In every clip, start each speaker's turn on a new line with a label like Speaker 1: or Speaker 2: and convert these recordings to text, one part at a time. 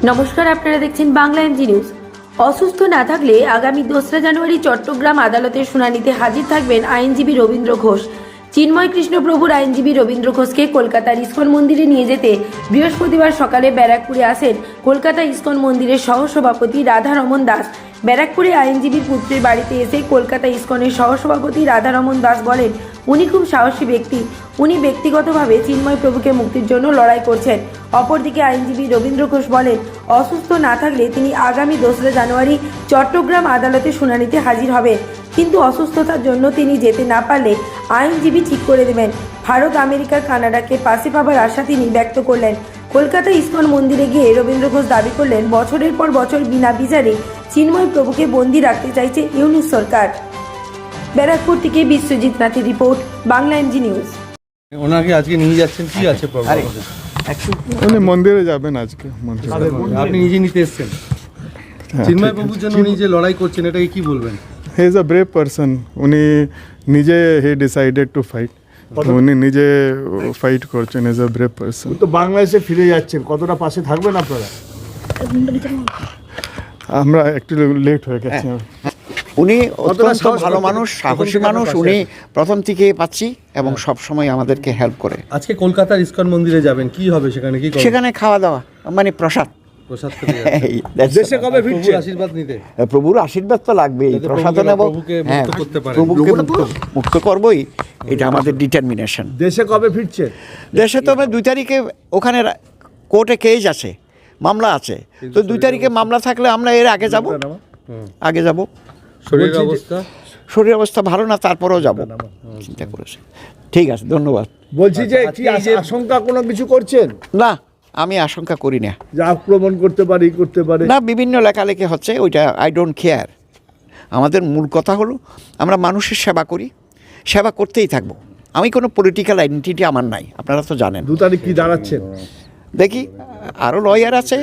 Speaker 1: নমস্কার, আপনারা দেখছেন বাংলা এমজি নিউজ। অসুস্থ না থাকলে আগামী 2রা জানুয়ারি চট্টগ্রাম আদালতের শুনানিতে হাজির থাকবেন আইনজীবী রবীন্দ্র ঘোষ। চিন্ময় কৃষ্ণপ্রভুর আইনজীবী রবীন্দ্র ঘোষকে কলকাতার ইস্কন মন্দিরে নিয়ে যেতে বৃহস্পতিবার সকালে ব্যারাকপুরে আসেন কলকাতা ইস্কন মন্দিরের সহসভাপতি রাধারমন দাস। ব্যারাকপুরে আইনজীবীর পুত্রের বাড়িতে এসে কলকাতা ইস্কনের সহসভাপতি রাধারমন দাস বলেন, উনি খুব সাহসী ব্যক্তি। উনি ব্যক্তিগতভাবে চিন্ময় প্রভুকে মুক্তির জন্য লড়াই করছেন। অপরদিকে আইনজীবী রবীন্দ্র ঘোষ বলেন, অসুস্থ না থাকলে তিনি আগামী 2রা জানুয়ারি চট্টগ্রাম আদালতে শুনানিতে হাজির হবেন, কিন্তু অসুস্থতার জন্য তিনি যেতে না পারলে আইনজীবী ঠিক করে দেবেন। ভারত, আমেরিকা, কানাডাকে পাশে পাবার আশা তিনি ব্যক্ত করলেন। কলকাতা ইস্কন মন্দিরে গিয়ে রবীন্দ্র ঘোষ দাবি করলেন, বছরের পর বছর বিনা বিচারে চিন্ময় প্রভুকে বন্দী রাখতে চাইছে ইউনিস সরকার। ব্যারাকপুর থেকে বিশ্বজিৎ নাথের রিপোর্ট, বাংলা এমজি নিউজ।
Speaker 2: ওনাকে আজকে নিয়ে যাচ্ছেন, কি আছে প্রবলেম?
Speaker 3: উনি মন্দিরে যাবেন আজকে।
Speaker 2: আপনি নিজে নিতে এসেছেন চিন্ময় প্রভুর জন্য, উনি যে লড়াই করছেন এটাকে কি বলবেন?
Speaker 3: He is a brave person. উনি নিজে হি ডিসাইডেড টু ফাইট, উনি নিজে ফাইট করছেন। Is a brave person.
Speaker 4: তো বাংলাদেশে ফিরে যাচ্ছেন, কতটা পাশে থাকবেন আপনারা?
Speaker 3: আমরা একটু লেট হয়ে গেছি।
Speaker 5: উনি অত্যন্ত ভালো মানুষ, সাহসী মানুষ। উনি প্রথম থেকে পাচ্ছি এবং সব সময় আমাদেরকে হেল্প করে।
Speaker 2: আজকে কলকাতার ইস্কন মন্দিরে যাবেন, কি হবে সেখানে? কি করবেন?
Speaker 5: সেখানে খাওয়া দাওয়া মানে প্রসাদ।
Speaker 2: প্রসাদ খেতে যাচ্ছেন।
Speaker 4: দেশে কবে ফিরছে?
Speaker 2: প্রভুর আশীর্বাদ নিতে।
Speaker 5: প্রভুর আশীর্বাদ তো লাগবেই, প্রসাদ নেব।
Speaker 2: প্রভুকে
Speaker 5: হ্যাঁ,
Speaker 2: মুক্ত করতে পারেন।
Speaker 5: প্রভুকে মুক্ত করবই, এটা আমাদের ডিটারমিনেশন।
Speaker 4: দেশে কবে ফিরছে?
Speaker 5: দেশে তো আমরা 2 তারিখে ওখানে কোর্টে কেস আছে, মামলা আছে। তো 2 তারিখে মামলা থাকলে আমরা এর আগে যাব। শরীর অবস্থা ভালো না, তারপরেও যাব চিন্তা করেছে। ঠিক আছে, ধন্যবাদ।
Speaker 4: বলছি যে কি আশঙ্কা কোনো কিছু করছেন?
Speaker 5: না, আমি আশঙ্কা করি না।
Speaker 4: যে আক্রমণ করতে পারে
Speaker 5: না, বিভিন্ন লেখালেখি হচ্ছে, ওইটা আই ডোন্ট কেয়ার। আমাদের মূল কথা হলো আমরা মানুষের সেবা করি, সেবা করতেই থাকবো। আমি কোনো পলিটিক্যাল আইডেন্টিটি আমার নাই, আপনারা তো জানেন।
Speaker 4: 2 তারিখ কি দাঁড়াচ্ছেন?
Speaker 5: দেখি, আরও লয়ার আছে,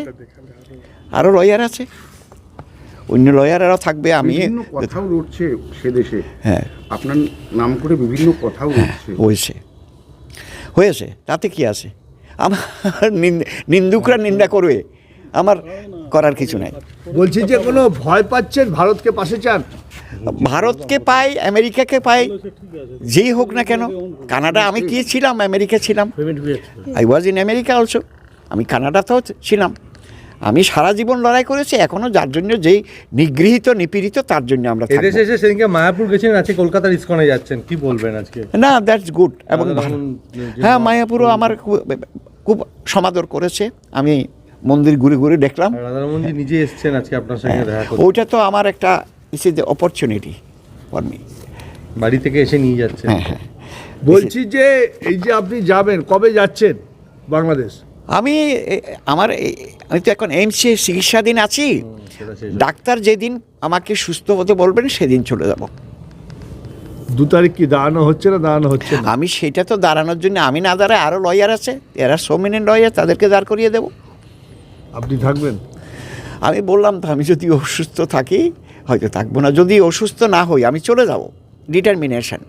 Speaker 5: অন্য লয়ারেরাও থাকবে। আমি
Speaker 6: কথাও উঠছে সে দেশে,
Speaker 5: হ্যাঁ,
Speaker 6: আপনার নাম করে বিভিন্ন কথাও উঠছে।
Speaker 5: হয়েছে, তাতে কি আছে? আমার নিন্দুকরা নিন্দা করবে, আমার করার কিছু নাই।
Speaker 4: বলছি যে কোনো ভয় পাচ্ছেন? ভারতকে পাশে চান?
Speaker 5: ভারতকে পাই, আমেরিকাকে পাই, যেই হোক না কেন। কানাডা আমি কি ছিলাম, আমেরিকা ছিলাম। I was in America also. আমি কানাডাতেও ছিলাম। আমি সারা জীবন লড়াই করেছি। এখনো যার জন্য যেই নিগৃহীত নিপীড়িত, তার জন্য আমরা থাকবো।
Speaker 2: এদেশে এসে সেদিনকে মায়াপুর গেছেন, আজকে কলকাতার ইস্কনে যাচ্ছেন, কি বলবেন আজকে?
Speaker 5: না, দ্যাটস গুড এবং ভালো। হ্যাঁ, মায়াপুরও আমার খুব সমাদর করেছে। আমি মন্দির ঘুরে ঘুরে দেখলাম।
Speaker 2: রাধারমনজি নিজে এসেছেন আজকে আপনার সঙ্গে দেখা করতে।
Speaker 5: ওইটা তো আমার একটা is is the opportunity for me.
Speaker 2: বাড়ি থেকে এসে নিয়ে যাচ্ছেন।
Speaker 5: হ্যাঁ।
Speaker 4: বলছি যে এই যে আপনি যাবেন, কবে যাচ্ছেন বাংলাদেশ?
Speaker 5: আমি তো এখন এইমসে চিকিৎসাধীন আছি। ডাক্তার যেদিন আমাকে সুস্থ হতে বলবেন সেদিন চলে যাব।
Speaker 4: 2 তারিখ কি দাঁড়ানো হচ্ছে না?
Speaker 5: আমি সেটা তো দাঁড়ানোর জন্য আমি না দাঁড়ায়, আরও লয়ার আছে, এরা সোমিনেন্ট লয়ার, তাদেরকে দাঁড় করিয়ে দেব।
Speaker 4: আপনি থাকবেন?
Speaker 5: আমি বললাম তো, আমি যদি অসুস্থ থাকি হয়তো থাকবো না, যদি অসুস্থ না হই আমি চলে যাব। ডিটারমিনেশন।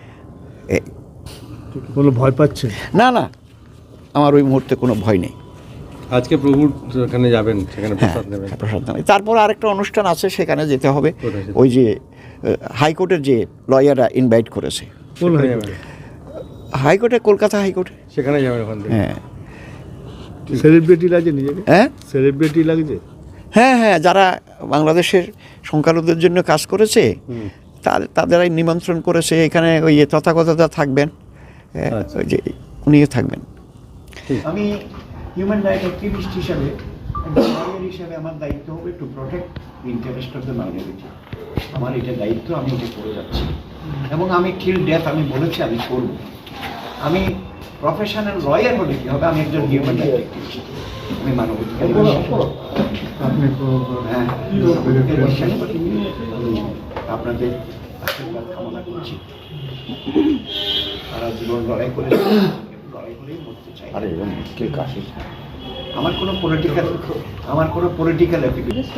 Speaker 4: কোনো ভয় পাচ্ছেন?
Speaker 5: না, আমার ওই মুহূর্তে কোনো ভয় নেই।
Speaker 2: আজকে প্রভুর ওখানে যাবেন, সেখানে প্রসাদ নেবেন।
Speaker 5: প্রসাদ নেবেন। তারপর আরেকটা অনুষ্ঠান আছে, সেখানে যেতে হবে। ওই যে হাইকোর্টের যে লয়াররা ইনভাইট করেছে।
Speaker 4: কোন হাইকোর্টে?
Speaker 5: হাইকোর্টে, কলকাতা হাইকোর্টে।
Speaker 2: সেখানে যাবেন ওখান থেকে।
Speaker 5: হ্যাঁ।
Speaker 4: সেলিব্রিটি লাগে নিজেকে?
Speaker 5: হ্যাঁ,
Speaker 4: সেলিব্রিটি লাগছে।
Speaker 5: হ্যাঁ, যারা বাংলাদেশের সংখ্যালঘুদের জন্য কাজ করেছে তাদেরাই নিমন্ত্রণ করেছে। এখানে ওই তথাগতরা থাকবেন, ওই যে উনিও থাকবেন। আমি হিউম্যান রাইট অ্যাক্টিভিস্ট হিসাবে আমার দায়িত্ব হবে to protect interest of the minority. আমার এটা দায়িত্ব, আমি এটা করে যাচ্ছি এবং আমি টিল ডেথ আমি বলেছি আমি করব। আমি প্রফেশনাল লয়ার হলে কী হবে, আমি একজন হিউম্যান রাইট অ্যাক্টিভিস্ট, আমি মানবাধিকার। আপনাদের আশীর্বাদ কামনা করছি। তারা জীবন লড়াই করেই মরতে চাই। আমার কোনো পলিটিক্যাল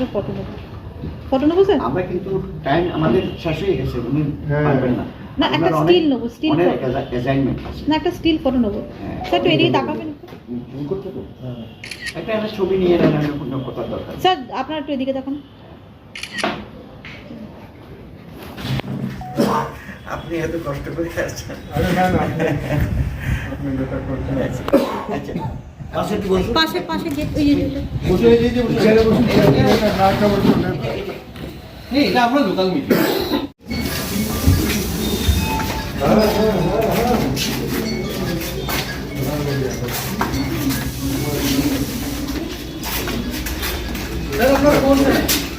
Speaker 5: আমরা কিন্তু টাইম আমাদের শেষ হয়ে গেছে, উনি পারবেন না।
Speaker 7: না, একটা স্টিল নেবো, স্টিল
Speaker 5: অনেক অ্যাসাইনমেন্ট আছে।
Speaker 7: না, একটা স্টিল ফটো নেবো। স্যার একটু এদিকে তাকাবেন।
Speaker 5: একটা ছবি নিয়ে নেন, কথার দরকার।
Speaker 7: স্যার আপনার একটু এদিকে দেখুন।
Speaker 5: আপনি এত কষ্ট করে আসছেন।
Speaker 3: আরে না না আপনি যেটা করছেন
Speaker 5: আচ্ছা
Speaker 7: পাশে পাশে গেট ওই যে
Speaker 2: এটা আমরা লোকাল মিটিং। আপনারা কোন